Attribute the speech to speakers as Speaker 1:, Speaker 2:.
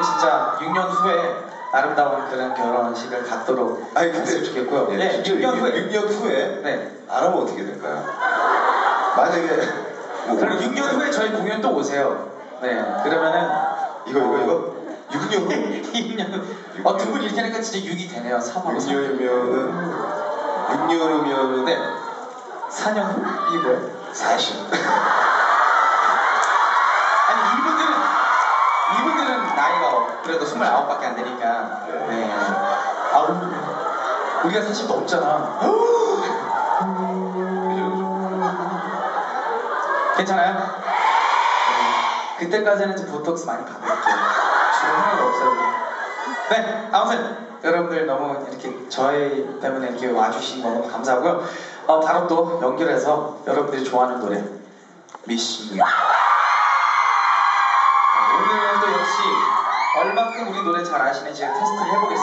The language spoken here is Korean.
Speaker 1: 진짜 6년 후에 아름다운 그런 결혼식을 갖도록
Speaker 2: 아니 근데
Speaker 1: 했으면 좋겠고요.
Speaker 2: 네,
Speaker 1: 6년 후에
Speaker 2: 6년 후에
Speaker 1: 네.
Speaker 2: 알아보면 어떻게 될까요? 만약에
Speaker 1: 그럼 6년 후에 저희 공연 또 오세요. 네. 그러면은
Speaker 2: 이거 6년 후
Speaker 1: 6년 두 분 이렇게 하니까 진짜 6이 되네요. 3하고
Speaker 2: 6년이면은
Speaker 1: 네. 4년 후? 이게 뭐예요?
Speaker 2: 40.
Speaker 1: 아니 이분들은 나이가 그래도 29밖에 안 되니까 네. 우리가 사실 넘잖아. 괜찮아요? 그때까지는 좀 보톡스 많이 받을게요. 지금 하나도 없어요. 네, 아무튼 여러분들 너무 이렇게 저희 때문에 이렇게 와주신 거 너무 감사하고요. 바로 또 연결해서 여러분들이 좋아하는 노래 Miss You. 오늘도 역시 얼마큼 우리 노래 잘 아시는지 테스트를 해보겠습니다.